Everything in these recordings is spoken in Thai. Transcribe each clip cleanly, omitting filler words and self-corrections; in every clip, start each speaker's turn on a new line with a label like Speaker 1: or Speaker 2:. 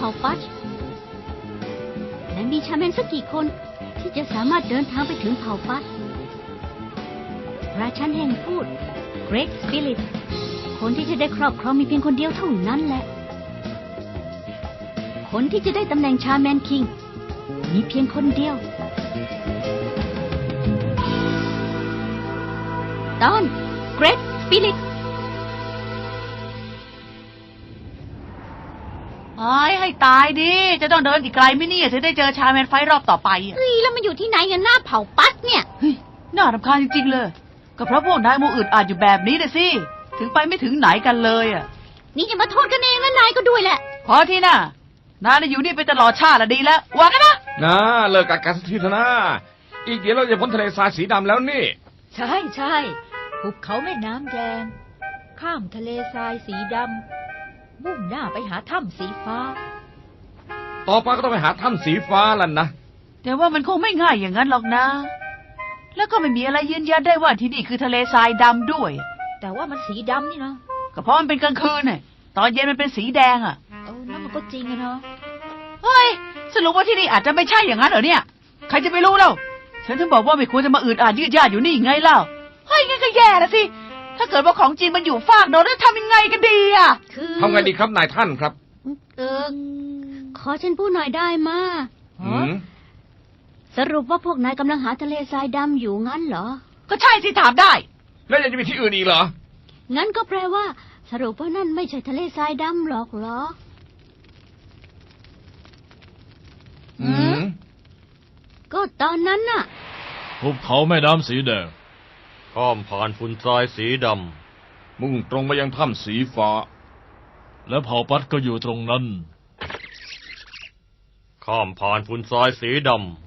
Speaker 1: าปัชและมีชาแมนสักกี่คนที่จะสามารถเดินทางไปถึงเผ่าปัชราชันแห่งพูด Great Spirit คนที่จะได้ครอบครองมีเพียงคนเดียวเท่านั้นแหละคนที่จะได้ตำแหน่งชาแมนคิงมีเพียงคนเดียวตอน Great Spirit
Speaker 2: ให้ตายดิจะต้องเดินอีกไกลไหมเนี่ยถึงได้เจอชาแมนไฟรอบต่อไป
Speaker 1: เฮ้ยแล้วมันอยู่ที่ไหนกันหน้าเผ่าปัชเนี่ย
Speaker 2: เฮ้ยน่ารำคาญจริงๆเลยก็เพราะพวกนายมูอึดอาจอยู่แบบนี้นะสิถึงไปไม่ถึงไหนกันเลย
Speaker 1: นี่จะมาโทษกันเองแล้วนายก็ด้วยแหละ
Speaker 2: พอที่น่ะนายอยู่นี่ไปตลอดชาติละดีแล้วว่ากันนะ
Speaker 3: เลิกกันสักทีเถอะนะอีกเดี๋ยวเราจะพ้นทะเลทรายสีดำแล้วนี่
Speaker 4: ใช่ภูเขาแม่น้ำแดงข้ามทะเลทรายสีดำมุ่งหน้าไปหาถ้ำสีฟ้า
Speaker 3: ต่อไปก็ต้องไปหาถ้ำสีฟ้าแล้วนะ
Speaker 2: แต่ว่ามันคงไม่ง่ายอย่างนั้นหรอกนะแล้วก็ไม่มีอะไรยืนยันได้ว่าที่นี่คือทะเลทรายดำด้วย
Speaker 4: แต่ว่ามันสีดำนี่นะ
Speaker 2: ก็เพราะมันเป็นกลางคืนน่ะตอนเย็นมันเป็นสีแดง
Speaker 4: นั่นมันก็จริงอะเนาะ
Speaker 2: เฮ้ยสรุปว่าที่นี่อาจจะไม่ใช่อย่างนั้นเหรอเนี่ยใครจะไปรู้เล่าฉันถึงบอกว่าไม่ควรจะมาอืดอาดยืดยาดอยู่นี่ไงเล่าเฮ้ยงั้นก็แย่ละสิถ้าเกิดว่าของจริงมันอยู่ฟากโน้นแล้วทำยังไงกันดี
Speaker 3: ทำไงดีครับนายท่านครับ
Speaker 1: ขอฉันพูดหน่อยได้มาสรุปว่าพวกนายกำลังหาทะเลทรายดำอยู่งั้นเหรอ
Speaker 2: ก็ใช่สิถามได้
Speaker 3: แล้วยังจะมีที่อื่นอีกเหรอ
Speaker 1: งั้นก็แปลว่าสรุปว่านั่นไม่ใช่ทะเลทรายดำหรอกเหรอก็ตอนนั้นน่ะ
Speaker 5: ภูเขาแม่น้ำสีแดง
Speaker 6: ข้ามผ่านฝุ่นทรายสีด
Speaker 3: ำมุ่งตรงไปยังถ้ำสีฟ้า
Speaker 5: และเผ่าปัดก็อยู่ตรงนั้น
Speaker 6: ข้ามผ่านฝุ่นทรายสีดำ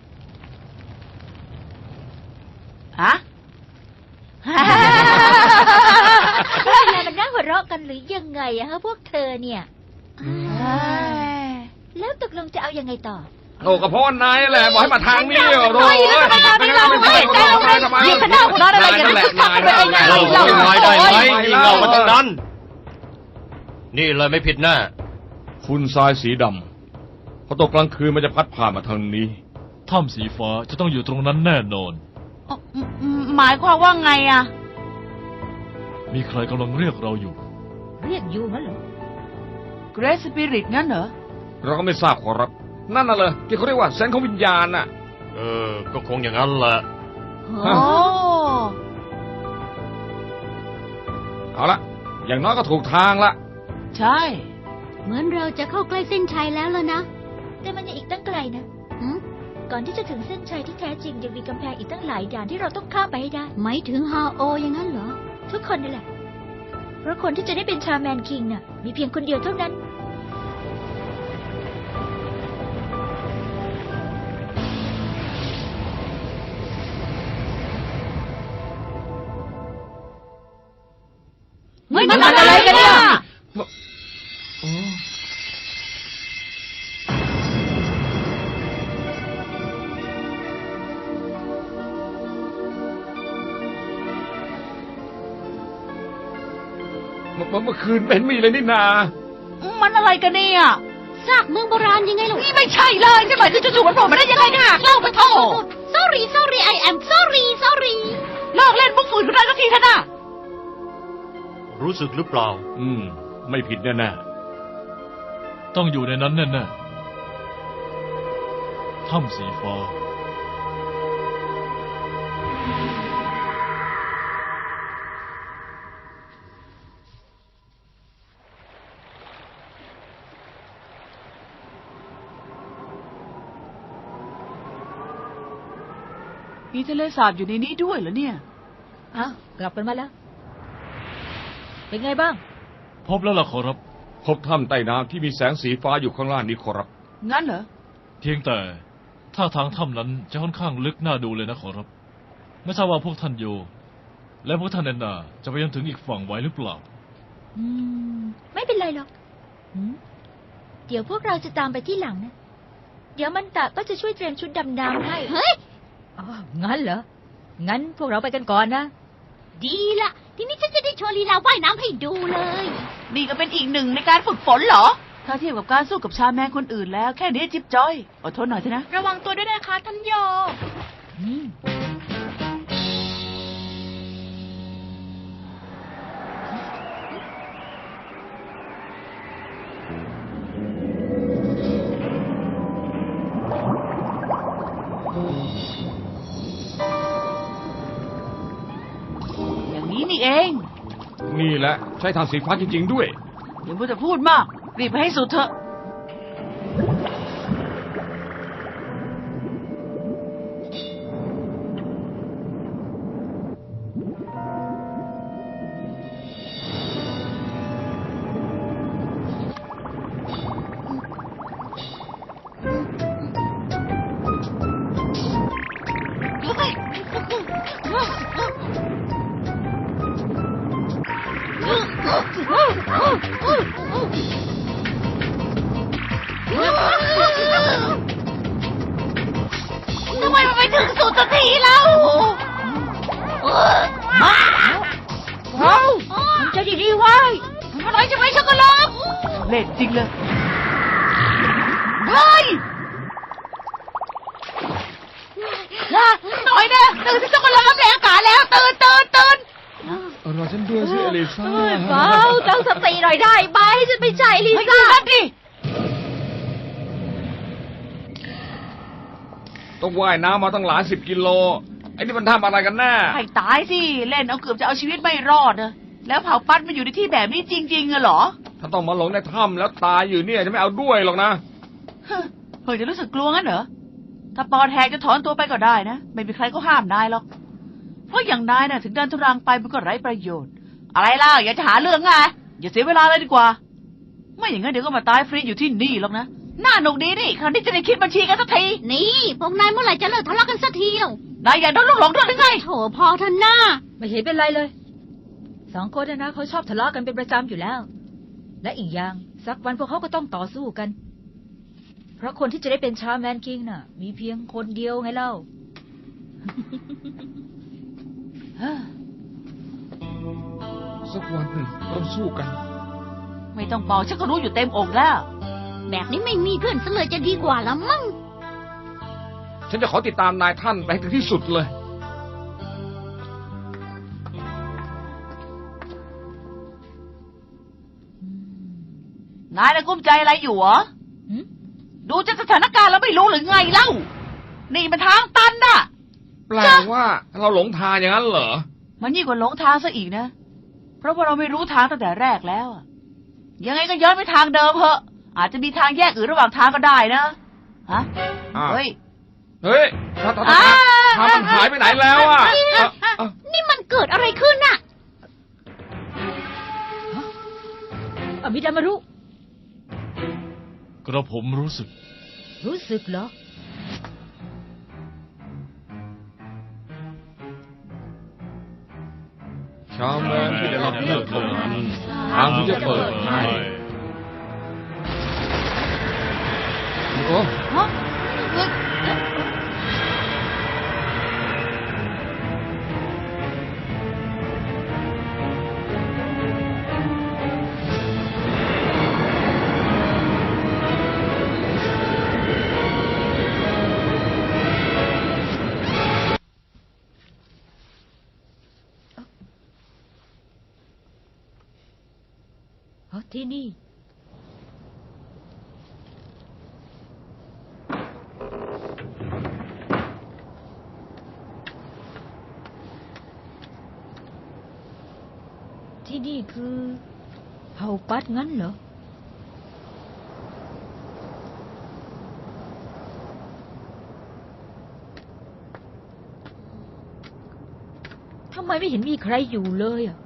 Speaker 2: ฮะ
Speaker 4: อะไรมันน่าหัวเราะกันหรือยังไงอะฮะพวกเธอเนี่ยแล้วตกลงจะเอายังไงต่อ
Speaker 3: โอ้กระเพาะนายแหละบอกให้มาทางนี้โอ้
Speaker 2: ยไม่เราไม่ยิ่งขนาดนั้นอะไรกันเนี่ย
Speaker 6: นายได้ไหมยิ่งเรามาทั้งนั้นนี่เลยไม่ผิดแน่
Speaker 3: ฝุ่นทรายสีดำพอตกกลางคืนมันจะพัดผ่านมาทางนี้
Speaker 5: ถ้ำสีฟ้าจะต้องอยู่ตรงนั้นแน่นอน
Speaker 2: หมายความว่าไง
Speaker 5: มีใครกำลังเรียกเราอยู่
Speaker 4: เรียกอยู่งั้นเหรอ
Speaker 2: Great Spirit งั้นเหรอ
Speaker 3: เราก็ไม่ทราบขอรับนั่นน่ะเลยที่เขาเรียกว่าเซนส์ของวิญญาณน่ะ
Speaker 6: ก็คงอย่างนั้นแหละ
Speaker 3: เอาละอย่างน้อยก็ถูกทางละ
Speaker 2: ใช่
Speaker 1: เหมือนเราจะเข้าใกล้เส้นชัยแล้วล่ะนะ
Speaker 4: แต่มันยังอีกตั้งไกลนะก่อนที่จะถึงเส้นชัยที่แท้จริงยังมีกำแพงอีกตั้งหลายด่านที่เราต้องข้ามไปให้ได้
Speaker 1: หมายถึงฮาโออย่างนั้นเหรอ
Speaker 4: ทุกคนนั่นแหละเพราะคนที่จะได้เป็นชาแมนคิงน่ะมีเพียงคนเดียวเท่านั้น
Speaker 2: มันอะไรกันเนี่ย
Speaker 3: เมื่อคืนเป็นมีเลยนี่นา
Speaker 2: มันอะไรกันเนี่ย
Speaker 1: ซากเมืองโบราณยังไงลูก
Speaker 2: นี่ไม่ใช่เลยจะหมายถึงจู่ๆมันโผล่มาได้ยังไงเนี่ยเล่าไปโทษ
Speaker 1: sorry I am sorry
Speaker 2: เลิกเล่นมุกฝืนกันได้สักทีเถอะนะ
Speaker 6: รู้สึกหรือเปล่า
Speaker 3: ไม่ผิดแน่
Speaker 5: ๆต้องอยู่ในนั้นแน่ๆถ้ำสีฟ้า
Speaker 2: มีทะเลสาบอยู่ในนี้ด้วยเหรอเนี่ย
Speaker 4: กลับกันมาแล้วเป็นไงบ้าง
Speaker 5: พบแล้วล่ะขอรับ
Speaker 3: พบถ้ำใต้น้ำที่มีแสงสีฟ้าอยู่ข้างล่างนี้ขอรับ
Speaker 2: งั้นเหรอ
Speaker 5: เพียงแต่ถ้าทางถ้ำนั้นจะค่อนข้างลึกน่าดูเลยนะขอรับไม่ทราบว่าพวกท่านโยและพวกท่านแอนนาจะไปยังถึงอีกฝั่งไหวหรือเปล่า
Speaker 4: ไม่เป็นไรหรอกเดี๋ยวพวกเราจะตามไปที่หลังนะเดี๋ยวมันตะก็จะช่วยเตรียมชุดดำน้ำให้
Speaker 1: เฮ้ย
Speaker 4: งั้นเหรองั้นพวกเราไปกันก่อนนะ
Speaker 1: ดีละทีนี้ฉันจะได้โชว์ลีลาว่ายน้ำให้ดูเลย
Speaker 2: นี่ก็เป็นอีกหนึ่งในการฝึกฝนเหรอถ้าเทียบกับการสู้กับชาแมนคนอื่นแล้วแค่นี้จิ๊บจ้อยอดทนหน่อยเถอะนะ
Speaker 4: ระวังตัวด้วยนะคะท่านโย
Speaker 2: อย่างนี้นี่เอง
Speaker 3: นี่แหละใช้ทางสีฟ้าจริง ๆ ด้วย
Speaker 2: เดี๋ยวพูดจะพูดมาก รีบไปให้สุดเถอะ ทำไมมันไปถึงสุดสักทีแล้วมาว้าวมันจะดีๆไว้อะไรจะไม่ช็อกโกแลตเล่นจริงเลยเฮ้ยหน่อยนะตื่นที่ช็อกโกแลตแรงอากาศแล้วตื่น
Speaker 3: รอฉันด้วยสิอลิซ่า
Speaker 4: เบาตั้งสติหน่อยได้ไหมฉันไม่ใช่ลิ
Speaker 2: ไม่
Speaker 4: ซ่า
Speaker 2: ได้ดิ
Speaker 3: ต้องว่ายน้ำมาตั้งหลาย10 กิโล ไอ้นี่มันทำอะไรกันแน่
Speaker 2: ให้ตายสิเล่นเอาเกือบจะเอาชีวิตไม่รอดนะแล้วเผาปัดมาอยู่ในที่แบบนี้จริงๆเหรอ
Speaker 3: ถ้าต้องมาหลงในถ้ำแล้วตายอยู่เนี่ยจะไม่เอาด้วยหรอกนะ
Speaker 2: เฮ้ยจะรู้สึกกลัวงั้นเหรอถ้าปอดแหกจะถอนตัวไปก็ได้นะไม่มีใครก็ห้ามนายหรอกเพราะอย่างนายน่ะถึงเดินทุรังไปมันก็ไร้ประโยชน์ อะไรล่ะอย่าจะหาเรื่องไงอย่าเสียเวลาเลยดีกว่าไม่อย่างนั้นเดี๋ยวก็มาตายฟรีอยู่ที่นี่หรอกนะน่าหนุกดีนี่คราวนี้จะได้คิดบัญชีกันสักที
Speaker 1: นี่พวกนายเมื่อไหร่จะเลิกทะเลาะกันสักทีเล่าน
Speaker 2: ายอยากโดนลูกหลงด้วยหรือไง
Speaker 1: โถพอเถอะหน้า
Speaker 4: ไม่เห็นเป็นไรเลยสองคนนะเขาชอบทะเลาะกันเป็นประจำอยู่แล้ว และอีกอย่างสักวันพวกเขาก็ต้องต่อสู้กัน เพราะคนที่จะได้เป็นชาแมนคิงน่ะ มีเพียงคนเดียวไงเล่า
Speaker 3: สักวันหนึ่งต้องสู้กัน
Speaker 2: ไม่ต้องบอกฉันก็รู้อยู่เต็มอกแล้ว
Speaker 1: แบบนี้ไม่มีเพื่อนซะเลยจะดีกว่าละมั้ง
Speaker 3: ฉันจะขอติดตามนายท่านไปให้ถึงที่สุดเลย
Speaker 2: นายน่ะกุ้มใจอะไรอยู่เหรอ
Speaker 4: หืม
Speaker 2: ดูจากสถานการณ์แล้วไม่รู้หรือไงเล่า นี่มันทางตันน่ะ
Speaker 3: แปลว่าเราหลงทางอย่างนั้นเหรอ
Speaker 2: มันยิ่งกว่าหลงทางซะอีกนะ เพราะว่าเราไม่รู้ทางตั้งแต่แรกแล้วอะยังไงก็ย้อนไปทางเดิมเหอะ อาจจะมีทางแยกอื่นระหว่างทางก็ได้นะ ฮะ
Speaker 3: อ่า
Speaker 2: เฮ้ย
Speaker 3: เฮ้ยทางมันหายไปไหนแล้วอ่ะเอ้า
Speaker 1: นี่มันเกิดอะไรขึ้นน่ะ
Speaker 4: อมิดามารุ
Speaker 5: กระผมรู้สึก
Speaker 4: รู้สึกเหรอ
Speaker 3: ชาวแมนที่ได้รับเลือกเท่านั้นทางที่จะเปิดให้โอ้
Speaker 2: ฮะเฮ้ย
Speaker 4: ที่นี่ ที่นี่คือเผ่าปัดงั้นเหรอ ทำไมไม่เห็นมีใครอยู่เลยอ่ะ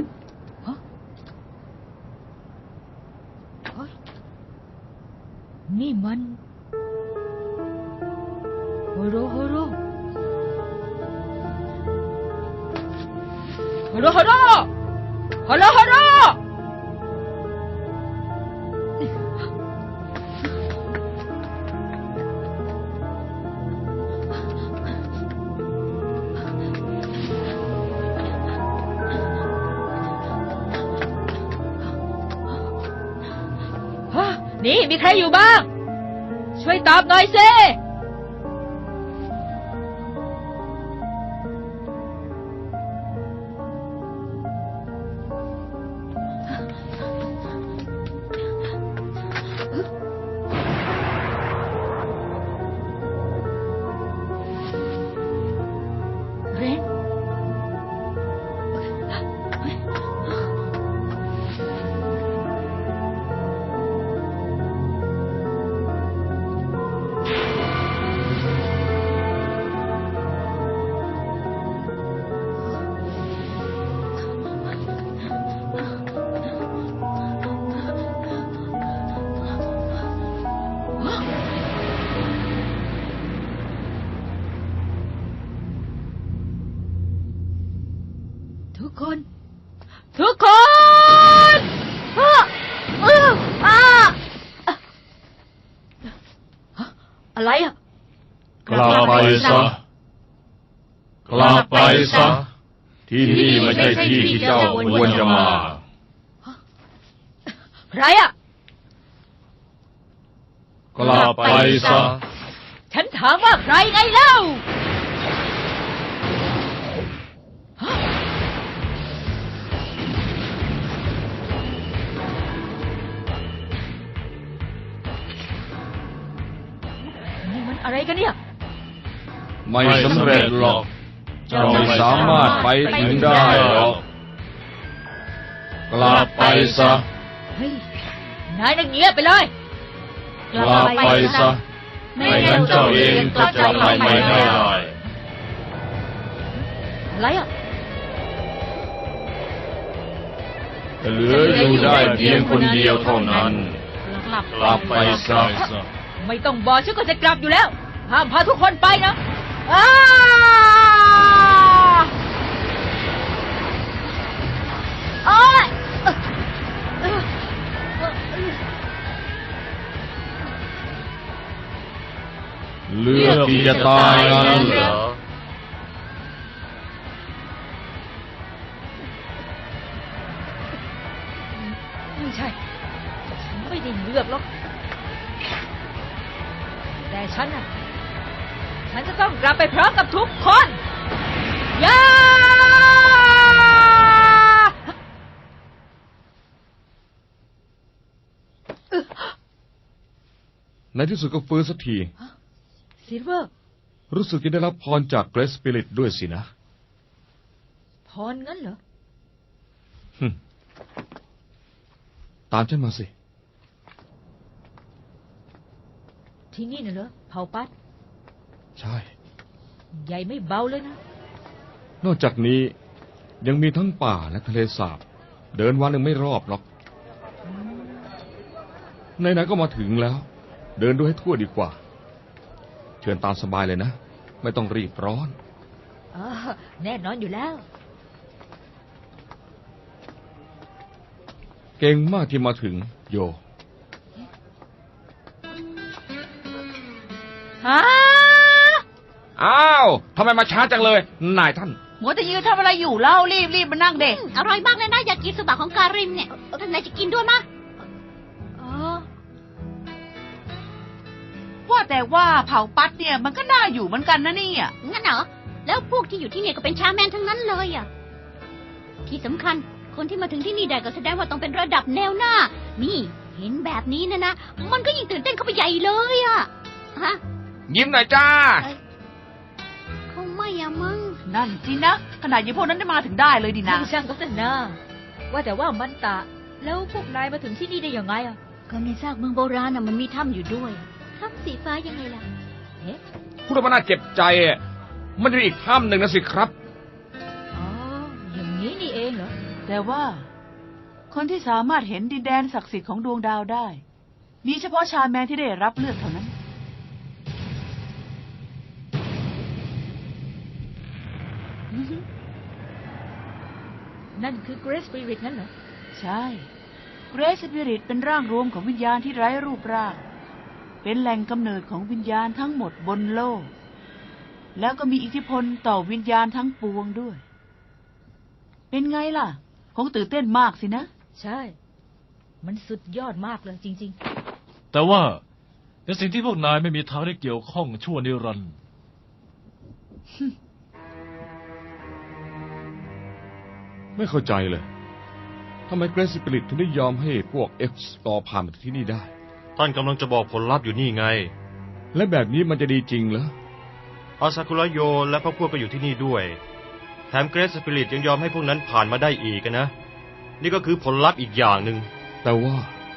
Speaker 4: นี่มันโฮโรโฮโรโฮโรโฮโรโฮโรโฮโรฮะนี่มีใครอยู่บ้าง ช่วยตอบหน่อยสิ
Speaker 1: เรน
Speaker 4: ทุกคน ทุกคนอะไรอ่ะ
Speaker 3: กลับไปซะ กลับไปซะ ที่นี่ไม่ใช่ที่ที่เจ้าควรจะมา
Speaker 4: ใครอ่ะ
Speaker 3: กลับไปซะ
Speaker 4: ฉันถามว่าใครไงเล่าฮะนี่มันอะไรกันเนี่ย
Speaker 3: ไม่สำเร็จหรอก เจ้าไม่สามารถไปถึงได้หรอก กลับไปซะ
Speaker 4: เฮ้ย นายนักเงียบไปเลย
Speaker 3: กลับไปซะ ไม่งั้นเจ้าเองก็จะไปไม่ได้
Speaker 4: อะไรอ่ะ
Speaker 3: จะเหลืออยู่ได้เพียงคนเดียวเท่านั้น กลับไปซะ
Speaker 4: ไม่ต้องบอกฉันก็จะกลับอยู่แล้ว ห้ามพาทุกคนไปนะอ้า
Speaker 1: โอ๊ย
Speaker 3: เลือกที่จะตายงั้นเหรอ
Speaker 4: ไม่ใช่ ฉันไม่ได้เลือกหรอก แต่ฉันน่ะ ฉันจะต้องกลับไปพร้อมกับทุกคนย่า
Speaker 3: ในที่สุดก็ฟื้นสักที
Speaker 4: ซิลเวอร์
Speaker 3: รู้สึกจะได้รับพรจากเกรสสปิริตด้วยสินะ
Speaker 4: พรงั้นเหรอ
Speaker 3: ตามฉันมาสิ
Speaker 4: ที่นี่น่ะเหรอเผาปัด
Speaker 3: ใช่
Speaker 4: ใหญ่ไม่เบาเลยนะ
Speaker 3: นอกจากนี้ยังมีทั้งป่าและทะเลสาบ เดินวันหนึ่งไม่รอบหรอกไหนๆก็มาถึงแล้ว เดินดูให้ทั่วดีกว่า เชิญตามสบายเลยนะ ไม่ต้องรีบร้อน
Speaker 4: อ๋อ แน่นอนอยู่แล้ว
Speaker 3: เก่งมากที่มาถึงโย
Speaker 4: ฮะ
Speaker 3: อ้าวทำไมมาช้าจังเลย นายท่าน
Speaker 2: หัวจะยืนทำอะไรอยู่เล่ารีบมานั่งเด็ก
Speaker 1: อร่อยมากเลยนะอยากกินสุบะของการิมเนี่ยท่านนายจะกินด้วยมะ
Speaker 4: อ๋อ
Speaker 2: ว่าแต่ว่าเผาปัดเนี่ยมันก็น่าอยู่เหมือนกันนะเนี่ย
Speaker 1: งั้นเหรอ แล้วพวกที่อยู่ที่เนี่ยก็เป็นชาแมนทั้งนั้นเลยอ่ะ ที่สำคัญคนที่มาถึงที่นี่ได้ก็แสดงว่าต้องเป็นระดับแนวหน้า นี่เห็นแบบนี้นะมันก็ยิ่งตื่นเต้นเข้าไปใหญ่เลยอ่ะ ฮะ
Speaker 3: ยิ้มหน่อยจ้า
Speaker 1: คงไม่อะมั้ง
Speaker 2: นั่นสินะขนาดยี่พวกนั้นได้มาถึงได้เลยดินะ
Speaker 4: ช่างก็เถอะนะว่าแต่ว่ามันตะ แล้วพวกนายมาถึงที่นี่ได้ยังไงอ่ะ
Speaker 1: ก็ในซากเมืองโบราณน่ะมันมีถ้ำอยู่ด้วย ถ้ำสีฟ้ายังไงล่ะ
Speaker 4: เอ๊ะ
Speaker 3: พูดว่าน่าเจ็บใจอะมันจะมีอีกถ้ำหนึ่งนะสิครับ
Speaker 4: อ๋อ อย่างนี้นี่เองเหรอ
Speaker 2: แต่ว่า คนที่สามารถเห็นดินแดนศักดิ์สิทธิ์ของดวงดาวได้ มีเฉพาะชาแมนที่ได้รับเลือกเท่านั้น
Speaker 4: นั่นคือเกรสสปิริตนั่นเหรอ
Speaker 2: ใช่เกรสสปิริตเป็นร่างรวมของวิญญาณที่ไร้รูปร่าง เป็นแหล่งกำเนิดของวิญญาณทั้งหมดบนโลก แล้วก็มีอิทธิพลต่อวิญญาณทั้งปวงด้วย เป็นไงล่ะ คงตื่นเต้นมากสินะ
Speaker 4: ใช่ มันสุดยอดมากเลยจริง
Speaker 5: แต่ว่าในสิ่งที่พวกนายไม่มีทางได้เกี่ยวข้องชั่วนิรันดร์
Speaker 3: ไม่เข้าใจเลยทำไมเกรซสปิริตถึงได้ยอมให้พวก X รอผ่านมาถึงที่นี่ได้
Speaker 6: ท่านกำลังจะบอกผลลัพธ์อยู่นี่ไง
Speaker 3: และแบบนี้มันจะดีจริงเหรอ
Speaker 6: อาซากุระโยและพวกก็อยู่ที่นี่ด้วย แถมเกรซสปิริตยังยอมให้พวกนั้นผ่านมาได้อีกนะ นี่ก็คือผลลัพธ์อีกอย่างหนึ่ง
Speaker 3: แต่ว่า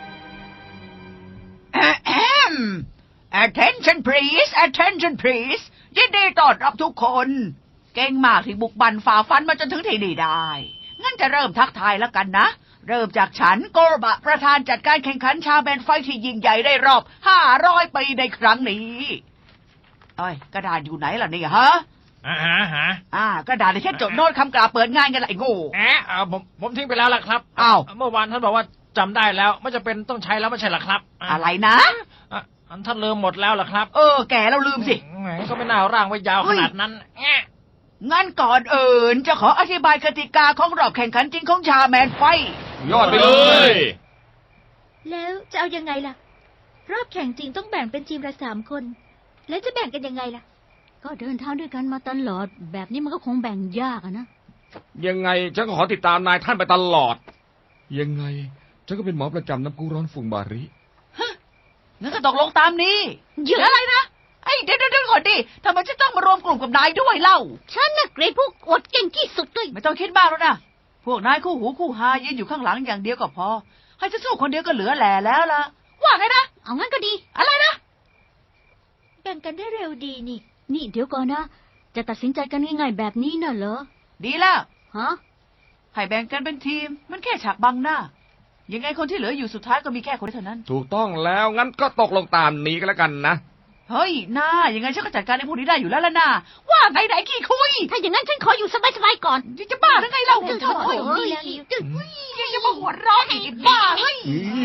Speaker 2: Attention please Attention please ยินดีต้อนรับทุกคน เก่งมากที่บุกบันฝ่าฟันมาจนถึงที่นี่ได้ งั้นจะเริ่มทักทายแล้วกันนะ เริ่มจากฉันโกรบะประธานจัดการแข่งขันชาแมนไฟท์ที่ยิ่งใหญ่ได้รอบ500 ปีในครั้งนี้เอ้ยกระดาษอยู่ไหนล่ะเนี่ยฮะกระดาษในแค่จดโน้ตคำกล่าวเปิดงานกันละไอ้โง่
Speaker 7: ผมทิ้งไปแล้วล่ะครับ
Speaker 2: อ้าว
Speaker 7: เมื่อวานท่านบอกว่าจำได้แล้วไม่จะเป็นต้องใช้แล้วไม่ใช่หรอครับ
Speaker 2: อะไรนะ
Speaker 7: ท่านลืมหมดแล้วล่ะครับ
Speaker 2: แกแล้วลืมสิ
Speaker 7: แหมก็ไม่น่าร่างไว้ยาวขนาดนั้นแง่
Speaker 2: งั้นก่อนอื่นจะขออธิบายกติกาของรอบแข่งขันจริงของชาแมนไฟท์
Speaker 3: ยอดไปเลย
Speaker 4: แล้วจะเอายังไงล่ะ รอบแข่งจริงต้องแบ่งเป็นทีมละ3 คน แล้วจะแบ่งกันยังไงล่ะ
Speaker 1: ก็เดินทางด้วยกันมาตลอด แบบนี้มันก็คงแบ่งยากอะนะ
Speaker 3: ยังไงฉันก็ขอติดตามนายท่านไปตลอด ยังไงฉันก็เป็นหมอประจำน้ำพุร้อนฝุ่งบาริ
Speaker 2: งั้นก็ตกลงตามนี้
Speaker 1: เยอะ
Speaker 2: อะไรนะไอ้เดี๋ยวก่อนดิทำไมฉันต้องมารวมกลุ่มกับนายด้วยเล่า
Speaker 1: ฉันน่ะเกรดพวกอดเก่งที่สุดเลย
Speaker 2: ไม่ต้องคิดมากแล้วนะพวกนายคู่หูคู่หายืนอยู่ข้างหลังอย่างเดียวก็พอ ให้ฉันสู้คนเดียวก็เหลือแหล่แล้วล่ะว่าไงนะ
Speaker 1: เอางั้นก็ดี
Speaker 2: อะไรนะ
Speaker 4: แบ่งกันได้เร็วดีนี่
Speaker 1: นี่เดี๋ยวก่อนนะ จะตัดสินใจกันง่ายๆแบบนี้น่ะเหรอ
Speaker 2: ดีแล้ว
Speaker 1: ฮะ
Speaker 2: ให้แบ่งกันเป็นทีม มันแค่ฉากบังหน้า ยังไงคนที่เหลืออยู่สุดท้ายก็มีแค่คนเดียวเท่านั้น
Speaker 3: ถูกต้องแล้วงั้นก็ตกลงตามนี้ก็แล้วกันนะ
Speaker 2: เฮ้ยน้ายังไงฉันก็จัดการในพวกนี้ได้อยู่แล้วล่ะน้าว่าไงไหนขี้คุย
Speaker 1: ถ้าอย่างนั้นฉันขออยู่สบายๆก่อน
Speaker 2: จะบ้าหรือไงเล่า
Speaker 1: เดี๋ยว
Speaker 2: โอ้ย
Speaker 1: เฮ้ย
Speaker 2: ยังจะมาหัวเร้อนอีกบ้าเฮ้ย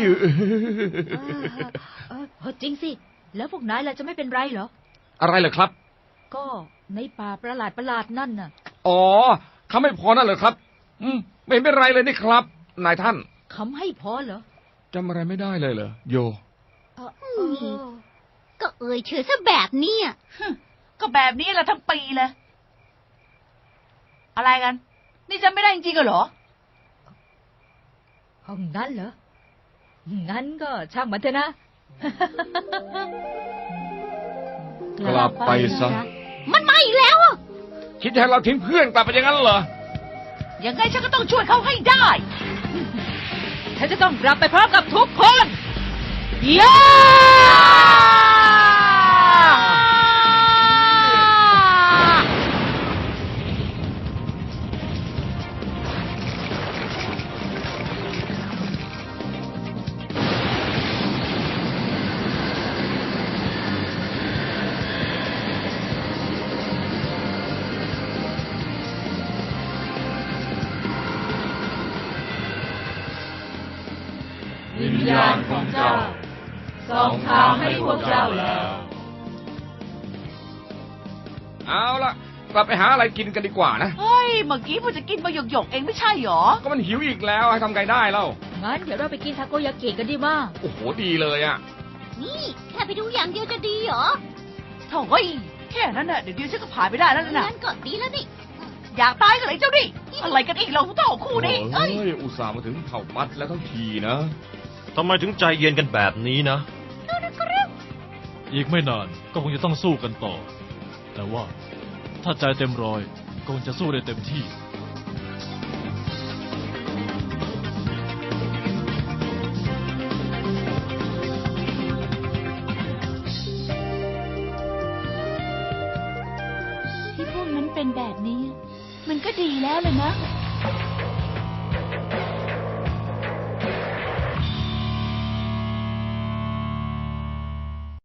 Speaker 4: จริงสิ แล้วพวกนายล่ะจะไม่เป็นไรเหรอ
Speaker 3: อะไรเหรอครับ
Speaker 4: ก็ในป่าประหลาดนั่นน่ะ
Speaker 3: อ๋อเขาไม่พอนั่นเหรอครับ ไม่เป็นไรเลยนี่ครับ นายท่าน
Speaker 4: คำให้พอเหรอ
Speaker 3: จำอะไรไม่ได้เลยเหรอโย
Speaker 1: ก็เอ่ยเชื่อซะแบบนี้อะ
Speaker 2: ก็แบบนี้แหละทั้งปีเลย อะไรกัน นี่จำไม่ได้จริงๆเหรอ
Speaker 4: ห้องนั้นเหรอ งั้นก็ช่างมันเถอะนะ
Speaker 3: กลับไปซะ
Speaker 1: มันมาอีกแล้วอะ
Speaker 3: คิดจะให้เราทิ้งเพื่อนกลับไปอย่างนั้นเหรอ
Speaker 2: ยังไงฉันก็ต้องช่วยเขาให้ได้
Speaker 4: ฉันจะต้องกลับไปพร้อมกับทุกคน
Speaker 2: ย่า
Speaker 5: วิญญาณของเจ้าส่องทางให้พวกเจ้าแล้ว
Speaker 3: เอาละกลับไปหาอะไรกินกันดีกว่านะ
Speaker 2: เฮ้ย เมื่อกี้พูดจะกินมาหยกๆเองไม่ใช่หรอ
Speaker 3: ก็มันหิวอีกแล้วให้ทำไงได้เล่า
Speaker 4: งั้นเดี๋ยวเราไปกินทาโกยากิกันดีมาก
Speaker 3: โอ้โหดีเลยอ่ะ
Speaker 1: นี่แค่ไปดูอย่างเดียวจะดีเหรอ
Speaker 2: โถ่เฮ้ย แค่นั้นน่ะเดี๋ยวฉันก็ผ่านไปได้แล้วนะ
Speaker 1: งั้นก็ดีแล้วนี่
Speaker 2: อยากตายกันเลยเจ้าดิอะไรกันอีกเราเท่าคู่นี้
Speaker 3: เอ้ย อุตส่าห์มาถึงเผ่าปัดแล้วทั้งทีนะ
Speaker 6: ทำไมถึงใจเย็นกันแบบนี้นะ
Speaker 5: อีกไม่นานก็คงจะต้องสู้กันต่อ แต่ว่าถ้าใจเต็มร้อยก็คงจะสู้ได้เต็มที่
Speaker 1: ที่พวกนั้นเป็นแบบนี้ มันก็ดีแล้วเลยนะ